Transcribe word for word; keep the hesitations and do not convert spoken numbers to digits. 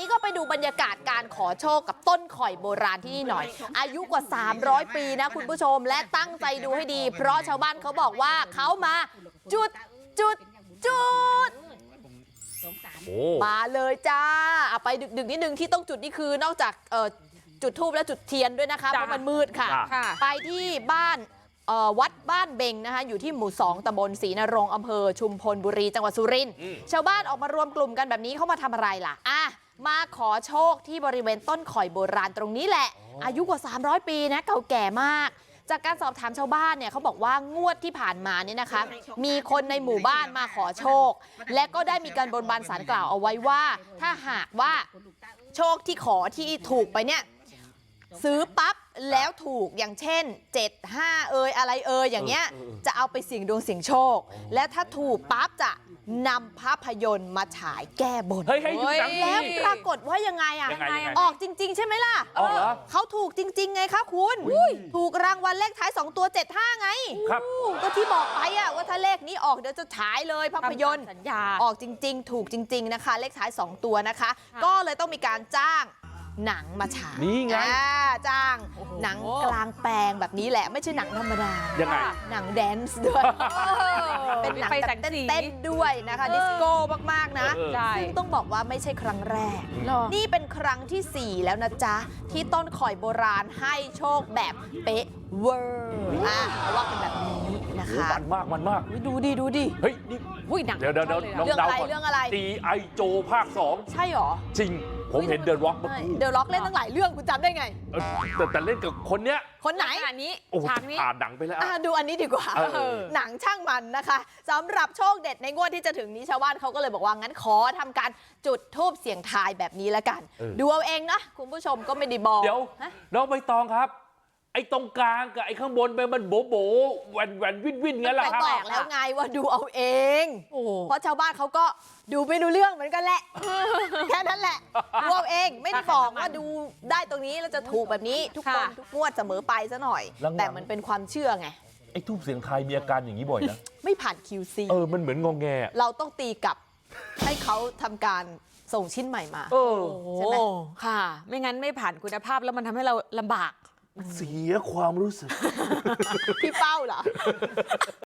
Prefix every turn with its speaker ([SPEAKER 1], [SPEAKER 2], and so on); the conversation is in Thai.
[SPEAKER 1] นี้ก็ไปดูบรรยากาศการขอโชคกับต้นข่อยโบราณที่นี่หน่อยอายุกว่าสามร้อยปีนะคุณผู้ชมและตั้งใจดูให้ดีเพราะชาวบ้านเขาบอกว่าเขามาจุดจุดจุดมาเลยจ้าเอาไปดึกๆนิดนึงที่ต้องจุดนี่คือนอกจากจุดธูปและจุดเทียนด้วยนะคะเพราะมันมืดค่ะไปที่บ้านวัดบ้านเบงนะคะอยู่ที่หมู่สองตำบลศรีนรงค์อำเภอชุมพลบุรีจังหวัดสุรินทร์ชาวบ้านออกมารวมกลุ่มกันแบบนี้เขามาทำอะไรล่ะอ่ะมาขอโชคที่บริเวณต้นข่อยโบราณตรงนี้แหละอายุกว่าสามร้อยปีนะเก่าแก่มากจากการสอบถามชาวบ้านเนี่ยเขาบอกว่างวดที่ผ่านมาเนี่ยนะคะมีคนในหมู่บ้านมาขอโชคและก็ได้มีการบนบานศาลกล่าวเอาไว้ว่าถ้าหากว่าโชคที่ขอที่ถูกไปเนี่ยซื้อปั๊บแล้วถูกอย่างเช่นเจ็ด ห้าเอยอะไรเอยอย่างเงี้ยจะเอาไปเสี่ยงดวงเสี่ยงโชคและถ้าถูกปั๊บจะนำภาพยนตร์มาฉายแก้บน
[SPEAKER 2] เฮ้ยแล้ว
[SPEAKER 1] ปรากฏว่ายังไงอ่ะออกจริงๆใช่ไหมล่ะ
[SPEAKER 2] ออกเหรอ
[SPEAKER 1] เขาถูกจริงๆไงคะคุณถูกรางวัลเลขท้ายสองตัวเจ็ด ห้าไง
[SPEAKER 2] ครับ
[SPEAKER 1] ก็ที่บอกไปอ่ะว่าถ้าเลขนี้ออกเดี๋ยวจะฉายเลยภาพยนตร์
[SPEAKER 3] สัญญา
[SPEAKER 1] ออกจริงๆถูกจริงๆนะคะเลขท้ายสองตัวนะคะก็เลยต้องมีการจ้างหนังมาฉาย
[SPEAKER 2] นี่ไง
[SPEAKER 1] จ้างหนังกลางแปลงแบบนี้แหละไม่ใช่หนังธรรมดา
[SPEAKER 2] ยังไง
[SPEAKER 1] หนังแดนซ์ด้วยเป็นหนังแบบเต้นๆด้วยนะคะดิสโก้มากๆนะซึ่งต้องบอกว่าไม่ใช่ครั้งแรกนี่เป็นครั้งที่สี่แล้วนะจ๊ะที่ต้นข่อยโบราณให้โชคแบบเป๊ะเวอร์อ่ะเขาว่ากันแบบนี้นะคะ
[SPEAKER 2] มันมากมันมาก
[SPEAKER 1] ดูดิดูดิ
[SPEAKER 2] เฮ้ยนี่
[SPEAKER 3] หนัง
[SPEAKER 2] เดี๋ยวเดี๋ยว
[SPEAKER 1] เรื่องอะไรเรื่องอะไร
[SPEAKER 2] จี ไอ โจภาคสอง
[SPEAKER 1] ใช่หรอ
[SPEAKER 2] จริงผมเห็นเดอะร็อกเมื่อกี้
[SPEAKER 1] เดอะร็อกเล่นตั้งหลายเรื่องคุณจำได้ไง
[SPEAKER 2] แต่แต่เล่นกับคนเนี้ย
[SPEAKER 1] คนไหน
[SPEAKER 3] อันนี้
[SPEAKER 2] ฉากนี้อ่านหนังไปแล้ว
[SPEAKER 1] ดูอันนี้ดีกว่าหนังช่างมันนะคะสำหรับโชคเด็ดในงวดที่จะถึงนี้ชาวบ้านเขาก็เลยบอกว่างั้นขอทำการจุดธูปเสี่ยงทายแบบนี้แล้วกันดูเอาเองนะคุณผู้ชมก็ไม่ได้บอก
[SPEAKER 2] เดี๋ยวน้องใบตองครับไอ้ตรงกลางกับไอ้ข้างบนไปมันโบโบแหวนแหวนวินวินงั้นแหละครับ
[SPEAKER 1] บอกแล้วไงว่าดูเอาเองเพราะชาวบ้านเขาก็ดูไม่รู้เรื่องเหมือนกันแหละแค่นั้นแหละดูเอาเองไม่ได้บอกว่าดูได้ตรงนี้แล้วจะถูกแบบนี้ทุกคนทุกงวดเสมอไปซะหน่อยแต่มันเป็นความเชื่อไง
[SPEAKER 2] ไอ้ทูบเสียงไทยมีอาการอย่างนี้บ่อยนะ
[SPEAKER 1] ไม่ผ่าน คิว ซี
[SPEAKER 2] เออมันเหมือนงงแง
[SPEAKER 1] เราต้องตีกลับให้เขาทำการส่งชิ้นใหม่มาใช่ไหม
[SPEAKER 3] ค่ะไม่งั้นไม่ผ่านคุณภาพแล้วมันทำให้เราลำบาก
[SPEAKER 2] เสียความรู้สึก
[SPEAKER 1] พี่เป้าเหรอ